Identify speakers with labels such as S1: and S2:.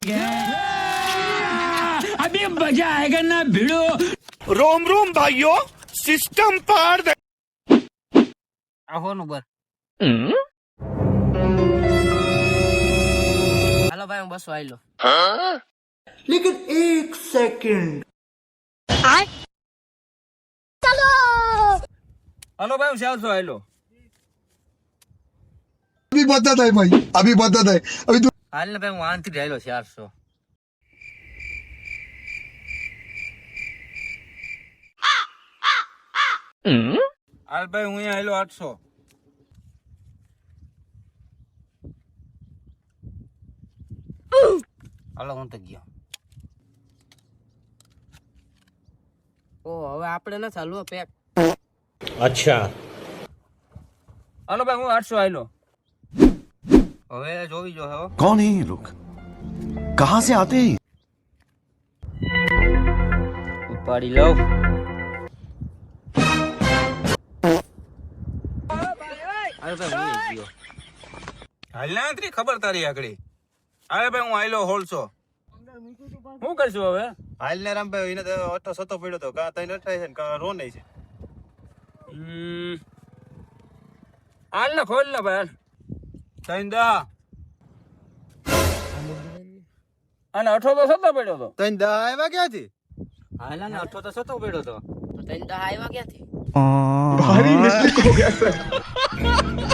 S1: अभी मजा आएगा ना भिड़ो।
S2: रोम रोम भाइयों, सिस्टम पार दे।
S3: આહો નું બર હાલો ભાઈ હું બસો આયલો
S2: लेकिन एक सेकंड
S3: હાલો ભાઈ હું 400 આયલો
S4: अभी बता है भाई, अभी बता है अभी तू
S3: હાલ ને ભાઈ હું આનથી આયલો 400 હાલ ભાઈ હું આયલો 800 હાલો હું તો ગયો ઓ હવે આપણે ના ચાલુ પેક
S1: अच्छा
S3: હાલો ભાઈ હું 800 આયલો હવે જોવી જો હે
S5: कौन है ये लोग कहां से आते हैं
S3: ઉપાડી લઉં હાલ ભાઈ હું ગયો હાલ ના ત્રી ખબર તારી આકડી હવે ભાઈ હું આયલો 1600 શું કરશું હવે
S6: હાલ ને રામભાઈ એને તો 800 પડ્યો તો કા તઈ નઠાય છે ને કા રો નહીં છે
S3: હાલ ને ખોલ ને ભાઈ તઈ દા અને 8 તો સતો પડ્યો તો
S6: તઈ દા આવ્યા ક્યાંથી
S3: હાલ ને 8 તો સતો પડ્યો તો તઈ દા આવ્યા ક્યાંથી
S4: भारी मिस्टेक हो गया सर।